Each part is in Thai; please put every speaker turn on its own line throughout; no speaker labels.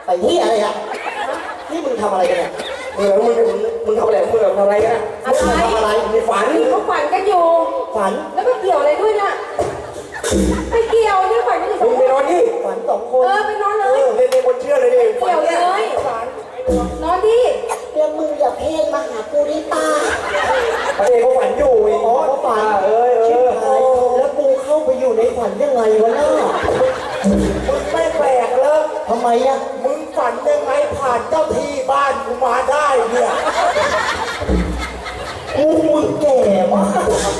ไปที่อะไรอ่ะนี่มึงทำอะไรกันเนี่ยมึงทำอะไรมึงทำอะไรกันนะทำอะไรมีฝัน
เขาฝันกันอยู่
ฝัน
แล้วมันเกี่ยวอะไรด้วยน่ะไม่เกี่ยวนี่ฝันกันอยู่ส
มึ
อง ง
ไป
คน
นอนนี่ฝัน2 คน
ไปนอนเลย
เล่นคนเชื่อเลยดิ
เกี่ยวเลยฝันนอนดิ
แล้วมึงอย่าเพ่งมาหากูดิป้า
พระเอกเขาฝันอยู่ไอ้เขาฝันแล้วกูเข้าไปอยู่ในฝันยังไงวะน่ะมึงไม่แปลกเลยทำไมอ่ะมึงฝันยังไงผ่านเจ้าที่บ้านกูมาได้เนี่ยมึงแก่มาก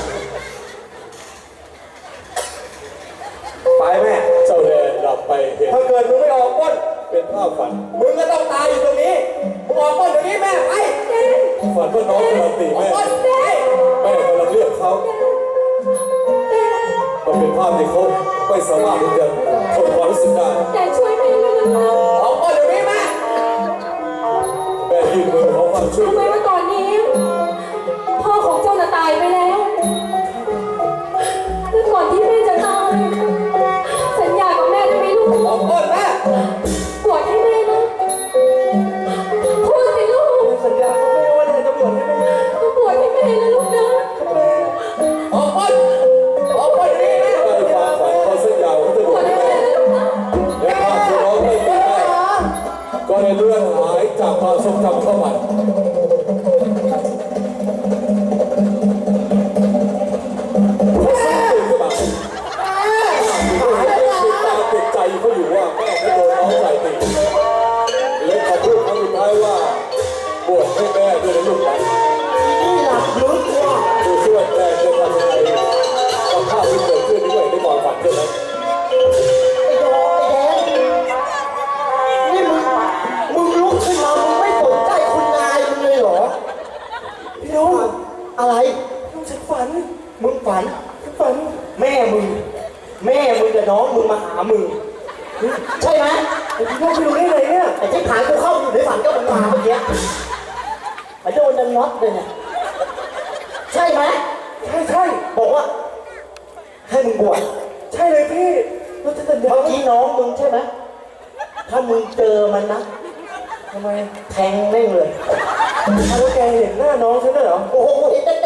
ไปแม่
เจ้าแดนหลับไปเห็น
ถ้าเกิดมึงไม่ออกก้น
เป็นภาพฝัน
มึงก็ต้องตายอยู่ตรงนี้มึงออกก้นเดี๋ยวนี้แม่ไป
ฝันว่าน้องกำลังตีแม่แม่กำลังเรียกเขามันเป็นภาพที่เขาไม่สามารถที่จะทนความรู้สึกได้
แต่ช่วยแม่ด้วยนะ
ออกก้นเดี๋ยวนี้แม่
แม่ยื่นมือขอความช่วย
รู้ไหมว่าตอนนี้พ่อของเจ้าน่ะตายไปแล้วแล้วก่อนที่แม่จะตายสัญญากับแม่ได้ไหมลูก
ออกก้นแม่
บวชให้แม่นะพูดสิลูก
สัญญากับแม่ว่าจะบวชให้แม่
บวชให้แม่นะลูกนะ
ออกก้นเดี๋ยวนี้แม่
ใต้ความฝันเขาสัญญาว่าจะบ
บ
ว
ว
ช
ช
ให้
ให้
แม่
แม่นะลูกนะ
และภาพที่น้องไม่ตีแม่ก็เลยเลื่อนหายจากความทรงจำเข้ามาเขาสร้างตื่นขึ้นมาติดตาติดใจเขาอยู่ว่าแม่ไม่โดนน้องใส่ตีและเขาพูดครั้งสุดท้ายว่าบวชให้แม่ด้วยนะลูกหลาน
นี่หลับลึกว่ะ
ดูช่วยแม่จะทำยังไงกับภาพที่เกิดขึ้นด้วยในความฝันใช่ไหม
ไอ้ดอกไอ้แดงนี่มึงลุกขึ้นมามึงไม่สนใจคุณนายมึงเลยเหรอพี่น้องอะไรลูกฉันฝันมึงฝันแม่มึงกับน้องมึงมาหามึงใช่ไหมไอ้พี่น้องไปดูได้เลยเนี่ยไอ้ที่ผ่านกูเข้าอยู่ในฝันก็มึงมาเมื่อกี้ไอ้โดนดันน็อตเลยเนี่ยใช่ไหมใช่บอกว่าให้มึงบวชใช่เลยพี่เราจะเมื่อกี้น้องมึงใช่ไหมถ้ามึงเจอมันนะทำไมแทงแม่งเลยถ้าแกเห็นหน้าน้องฉันได้เหรอโอ้โหเห็นแต่